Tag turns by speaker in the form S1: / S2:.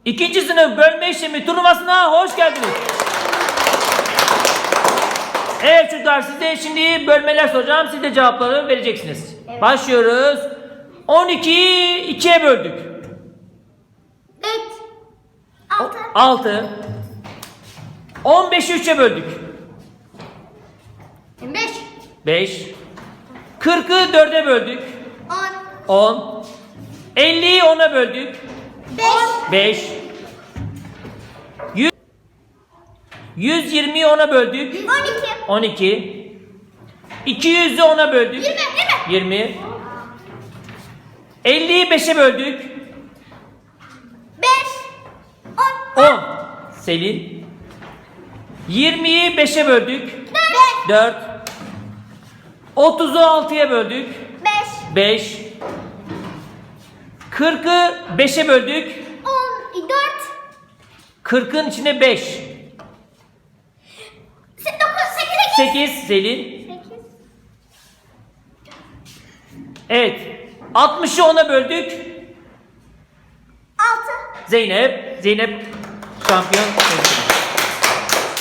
S1: İkinci sınıf bölme işlemi turnuvasına hoş geldiniz. Evet çocuklar, size şimdi bölmeler soracağım. Siz de cevapları vereceksiniz.
S2: Evet.
S1: Başlıyoruz. 12'yi 2'ye böldük.
S2: 3 6
S1: 6. 15'i 3'e böldük.
S2: 25
S1: 5. 40'ı 4'e böldük.
S2: 10
S1: 10. 50'yi 10'a böldük.
S2: 5
S1: 5. 120'yi 10'a böldük.
S2: 12
S1: 12. 200'ü 10'a böldük. 20. 50'yi 5'e böldük.
S2: 5 10
S1: 10. Selin. 20'yi 5'e böldük. 4. 30'u 6'ya böldük.
S2: 5
S1: 5. 40'ı 5'e böldük.
S2: 10 4
S1: 40'ın içine 5.
S2: 9 8
S1: 8 Selin.
S2: 8
S1: Evet. 60'ı 10'a böldük.
S2: 6
S1: Zeynep. Zeynep şampiyon.